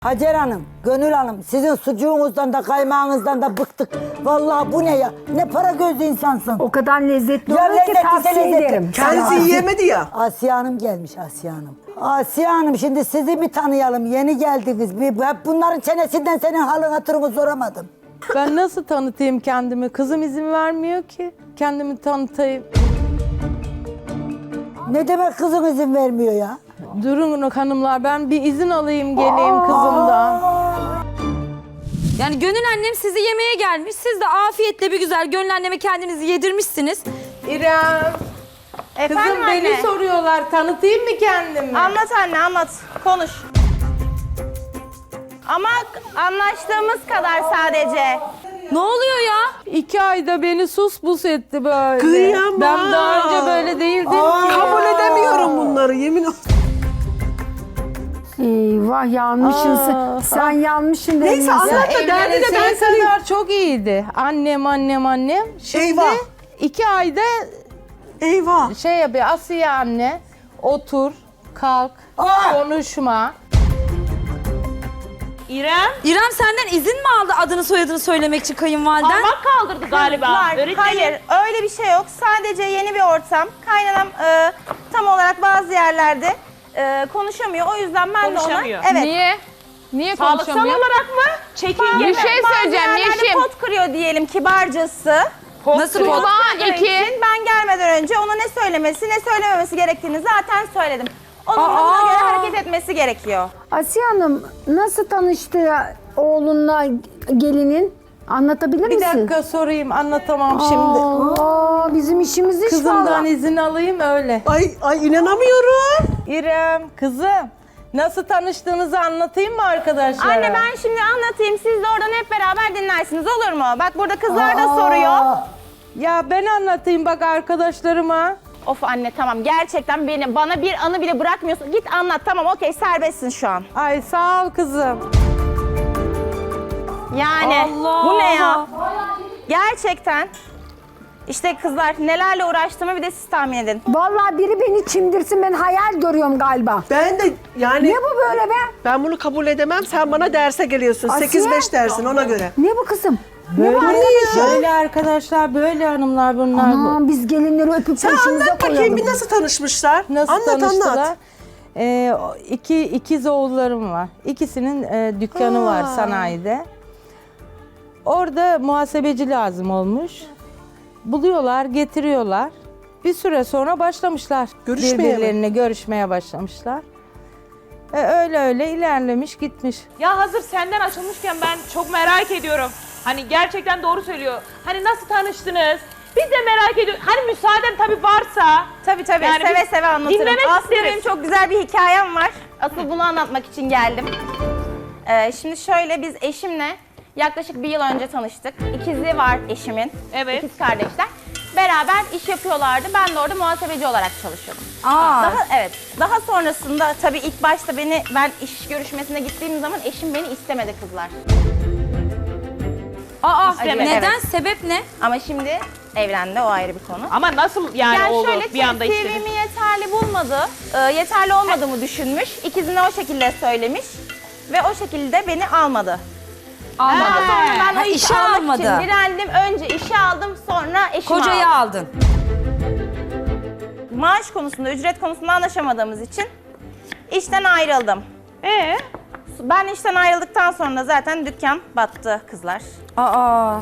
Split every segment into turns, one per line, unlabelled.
Hacer Hanım, Gönül Hanım, sizin sucuğunuzdan da kaymağınızdan da bıktık. Vallahi bu ne ya? Ne para gözlü insansın.
O kadar lezzetli
Ya
oluyor ki
lezzetli,
tavsiye
lezzetli.
ederim.
Kendisi yiyemedi ya.
Asiye Hanım gelmiş, Asiye Hanım. Asiye Hanım, şimdi sizi bir tanıyalım. Yeni geldiniz. Hep bunların çenesinden senin halın hatırını soramadım.
Ben nasıl tanıtayım kendimi? Kızım izin vermiyor ki. Kendimi tanıtayım.
Ne demek kızın izin vermiyor ya?
Durun hanımlar, ben bir izin alayım geleyim kızımdan.
Yani Gönül annem sizi yemeğe gelmiş. Siz de afiyetle bir güzel Gönül anneme kendinizi yedirmişsiniz.
İrem,
Efendim
kızım
anne.
beni soruyorlar. Tanıtayım mı kendimi?
Anlat anne anlat. Konuş. Ama anlaştığımız kadar sadece.
Ne oluyor ya?
2 ayda beni sus bus etti böyle.
Kıyamam.
Ben daha önce böyle değildim ki.
Kabul edemiyorum bunları yemin ol.
Eyvah yanmışsın sen yanmışsın.
Neyse
Elmas.
anlat da derdi de ben
Evlenesiye
seni...
kadar çok iyiydi. Annem. Şimdi
Eyvah.
2 ayda
Eyvah.
şey yapıyor. Asiye anne, otur, kalk, konuşma.
İrem senden izin mi aldı adını soyadını söylemek için kayınvaliden?
Parmak kaldırdı galiba. Hayır öyle bir şey yok. Sadece yeni bir ortam. Kaynanam tam olarak bazı yerlerde konuşamıyor. O yüzden ben de ona... Evet.
Niye? Niye
Sağlıksal
konuşamıyor?
olarak mı? Çekingen
Bir şey söyleyeceğim Yeşim.
pot kırıyor diyelim kibarcası.
Nasıl pot?
Tuğba
Kırdığı
2.
için ben gelmeden önce ona ne söylemesi ne söylememesi gerektiğini zaten söyledim. Onun da buna göre hareket etmesi gerekiyor.
Asiye Hanım nasıl tanıştı oğlunla gelinin? Anlatabilir
Bir
misin?
dakika sorayım, anlatamam şimdi.
Aa, bizim işimiz iş
Kızımdan
vallahi.
izin alayım öyle.
Ay inanamıyorum.
İrem, kızım. Nasıl tanıştığınızı anlatayım mı arkadaşlara?
Anne ben şimdi anlatayım. Siz de oradan hep beraber dinlersiniz olur mu? Bak burada kızlar da soruyor.
Ya ben anlatayım bak arkadaşlarıma.
Of anne tamam gerçekten bana bir anı bile bırakmıyorsun. Git anlat tamam okey serbestsin şu an.
Ay sağ ol kızım.
Yani
Allah!
bu ne ya? Gerçekten. İşte kızlar nelerle uğraştığımı bir de siz tahmin edin.
Vallahi biri beni çimdirsin ben hayal görüyorum galiba.
Ben de yani
Ne bu böyle be?
ben bunu kabul edemem. Sen bana derse geliyorsun.
Asiye.
8-5 dersin ona göre.
Ne bu kızım?
Böyle arkadaşlar, böyle hanımlar bunlar.
Aman biz gelinleri öpüp
Sen
peşimize
anlat bakayım
koyalım.
bir nasıl tanışmışlar?
Nasıl
anlat
tanıştılar?
anlat.
İkiz oğullarım var. İkisinin dükkanı var sanayide. Orada muhasebeci lazım olmuş. Buluyorlar, getiriyorlar. Bir süre sonra başlamışlar.
Görüşmeye mi?
Birbirlerine görüşmeye başlamışlar. Öyle ilerlemiş gitmiş.
Ya hazır senden açılmışken ben çok merak ediyorum. Hani gerçekten doğru söylüyor. Hani nasıl tanıştınız? Biz de merak ediyoruz. Hani müsaaden tabii varsa.
Tabii
Yani
seve
biz
seve anlatırım.
dinlemek
Aslında
isteriz.
benim çok güzel bir hikayem var. Asıl bunu anlatmak için geldim. Şimdi şöyle biz eşimle yaklaşık bir yıl önce tanıştık. İkizi var eşimin.
Evet.
İkiz kardeşler. Beraber iş yapıyorlardı. Ben de orada muhasebeci olarak çalışıyordum.
Aa,
Daha sonrasında tabii ilk başta ben iş görüşmesine gittiğim zaman eşim beni istemedi kızlar.
neden?
Evet.
Sebep ne?
Ama şimdi evlendi o ayrı bir konu.
Ama nasıl yani, oldu
şöyle
bir anda istedi?
CV'mi yeterli bulmadı. Yeterli olmadığımı düşünmüş. İkizine o şekilde söylemiş. Ve o şekilde beni almadı. Daha sonra ben o işi
işe
almak
almadı.
için direndim. Önce işe aldım sonra eşimi
Kocayı
aldım.
aldın.
Maaş konusunda, ücret konusunda anlaşamadığımız için işten ayrıldım. Ben işten ayrıldıktan sonra zaten dükkan battı kızlar.
Aa.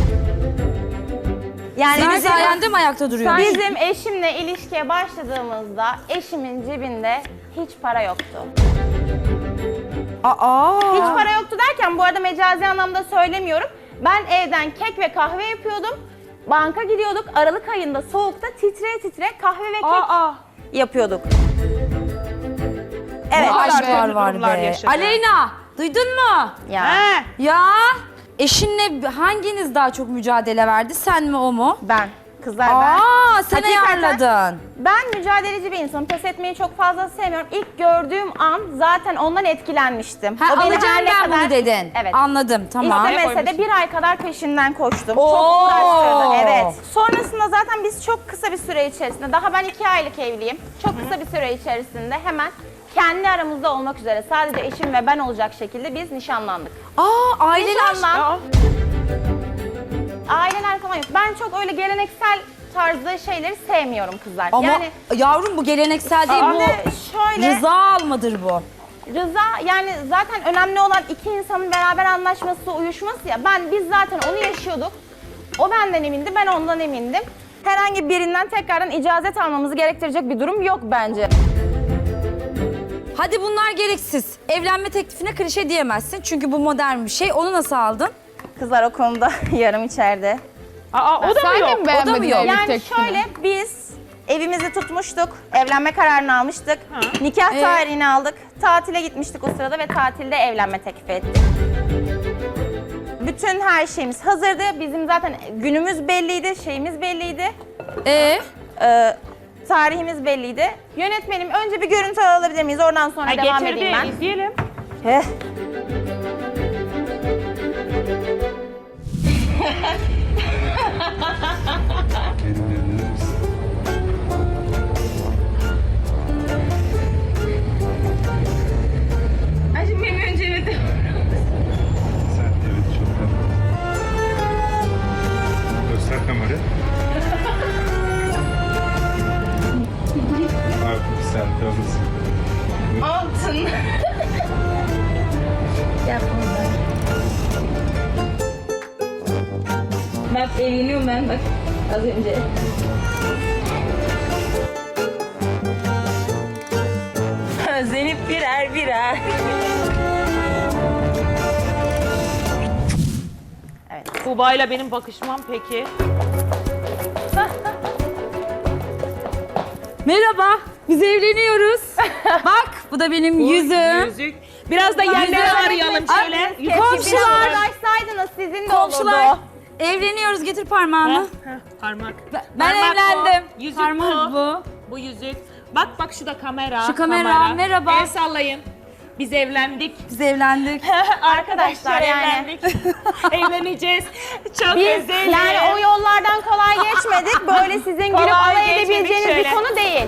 Yani
Senin sayende mi ayakta duruyor?
bizim eşimle ilişkiye başladığımızda eşimin cebinde hiç para yoktu. Hiç para yoktu derken bu arada mecazi anlamda söylemiyorum. Ben evden kek ve kahve yapıyordum. Banka gidiyorduk. Aralık ayında soğukta titre kahve ve kek yapıyorduk. Evet.
Aşklar var
durumlar
be.
yaşadı.
Aleyna, duydun mu?
Ya.
Ya eşinle hanginiz daha çok mücadele verdi? Sen mi o mu?
Ben. Kızlar ben.
Aa, sen
Hakikaten
ayarladın.
Ben mücadeleci bir insanım. Pes etmeyi çok fazla sevmiyorum. İlk gördüğüm an zaten ondan etkilenmiştim.
Ha,
O beni
alacağım
her ne
ben
kadar-
bunu dedin.
Evet.
Anladım, tamam.
İstemese de bir ay kadar peşinden koştum.
Oo.
Çok uğraştırdı, evet. Sonrasında zaten biz çok kısa bir süre içerisinde, daha ben 2 aylık evliyim. Çok kısa bir süre içerisinde hemen kendi aramızda olmak üzere sadece eşim ve ben olacak şekilde biz nişanlandık.
Aileler.
Aileler falan yok. Ben çok öyle geleneksel tarzda şeyleri sevmiyorum kızlar.
Ama
Yani
yavrum bu geleneksel değil, bu
şimdi şöyle
rıza almadır bu.
Rıza, yani zaten önemli olan iki insanın beraber anlaşması, uyuşması ya. Biz zaten onu yaşıyorduk. O benden emindi, ben ondan emindim. Herhangi birinden tekrardan icazet almamızı gerektirecek bir durum yok bence.
Hadi bunlar gereksiz. Evlenme teklifine klişe diyemezsin çünkü bu modern bir şey. Onu nasıl aldın?
Kızlar o konuda yarım içeride.
Aa, o da mı yok?
O da mı yok?
Yani şöyle, biz evimizi tutmuştuk, evlenme kararını almıştık, nikah tarihini aldık, tatile gitmiştik o sırada ve tatilde evlenme teklifi ettik. Bütün her şeyimiz hazırdı, bizim zaten günümüz belliydi, şeyimiz belliydi, tarihimiz belliydi. Yönetmenim, önce bir görüntü alabilir miyiz? Oradan sonra devam edeyim ben.
İzleyelim.
Heh.
Göster kamerayı. Abi bir selfie alırsın.
Bak evleniyorum ben bak az önce. Özenip birer birer.
Tuğba'yla benim bakışmam peki.
Merhaba, biz evleniyoruz. Bak, bu da benim yüzüm.
Yüzük. Biraz da yerleri arayalım şöyle.
Komşular,
Uğraşsaydınız sizin de
komşular.
olurdu.
Evleniyoruz, getir parmağını.
Parmak.
Ben
Parmak
evlendim.
bu, yüzük
Parmak
bu.
bu.
Bu yüzük. Bak bak şu da kamera.
Şu kamera, merhaba.
El sallayın. Biz evlendik.
Biz evlendik.
Arkadaşlar yani.
evlendik. Evleneceğiz. Çok
Biz
özelim.
yani o yollardan kolay geçmedik. Böyle sizin gülüp
Kolay
alay
geçmedik
edebileceğiniz bir
şöyle.
konu değil.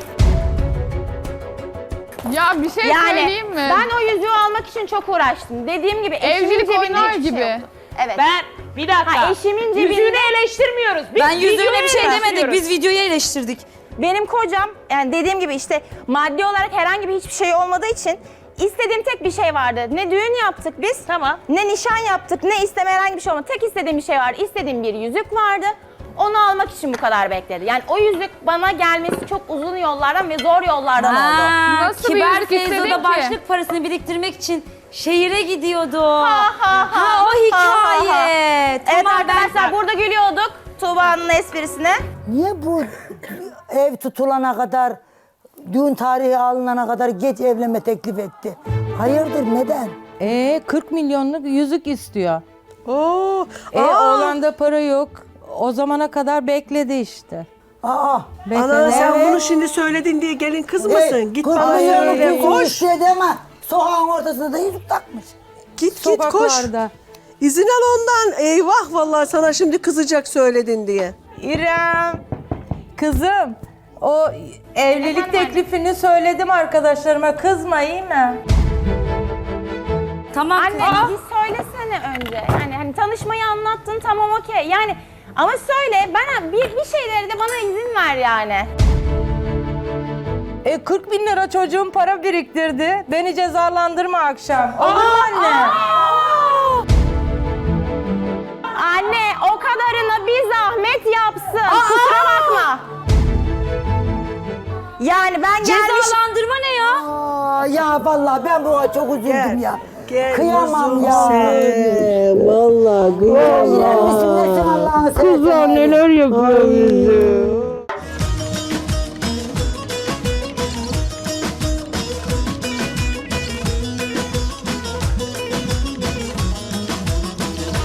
Ya bir şey
Yani
söyleyeyim mi?
ben o yüzüğü almak için çok uğraştım. Dediğim gibi eşimin
Evlilik
cebinde
oynar
hiçbir şey
gibi.
yoktu. Evet.
Ben bir dakika.
Ha, eşimin cebinde-
Yüzüğünü eleştirmiyoruz. Biz
Ben yüzüğüne
videoyu
bir şey demedik,
eleştiriyoruz.
biz videoyu eleştirdik.
Benim kocam, yani dediğim gibi işte maddi olarak herhangi bir hiçbir şey olmadığı için istediğim tek bir şey vardı. Ne düğün yaptık biz,
Tamam.
ne nişan yaptık, ne isteme herhangi bir şey olmadı. Tek istediğim bir şey vardı. İstediğim bir yüzük vardı. Onu almak için bu kadar bekledi. Yani o yüzük bana gelmesi çok uzun yollardan ve zor yollardan oldu.
Nasıl bir
Kibar
yüzük istedin
Feyzo'da
ki?
başlık parasını biriktirmek için şehire gidiyordu.
Ha,
o hikaye.
Evet
Tamam,
arkadaşlar burada gülüyorduk Tuğba'nın esprisine.
Niye bu ev tutulana kadar, düğün tarihi alınana kadar geç evlenme teklif etti? Hayırdır, neden?
40 milyonluk yüzük istiyor.
Oo.
Oğlanda para yok. O zamana kadar bekledi işte.
Aa,
Ana sen
Evet.
bunu şimdi söyledin diye gelin kızmasın. Git bana
koş.
söyle, koş.
Istedi ama sokağın ortasında da yüzük takmış.
Git git koş.
Sokaklarda.
İzin al ondan. Eyvah vallahi sana şimdi kızacak söyledin diye.
İrem.
Kızım, o evlilik
Efendim anne?
teklifini söyledim arkadaşlarıma. Kızma, iyi mi?
Tamam.
Anne bir söylesene önce. Yani hani tanışmayı anlattın, tamam okey. Yani ama söyle, bana bir şeyleri de bana izin ver yani.
40 bin lira çocuğum para biriktirdi. Beni cezalandırma akşam. Olur mu anne?
Anne o kadarına bir zahmet yapsın. Kusura bakma. Yani ben gelmiş...
Cezalandırma ne ya?
Aa, ya vallahi ben buna çok üzüldüm ya.
Gel
Kıyamam
kuzum
ya.
sen. Vallahi
İrem
kıyamam.
misin nesin Allah'ını seversen.
neler yapıyor bize?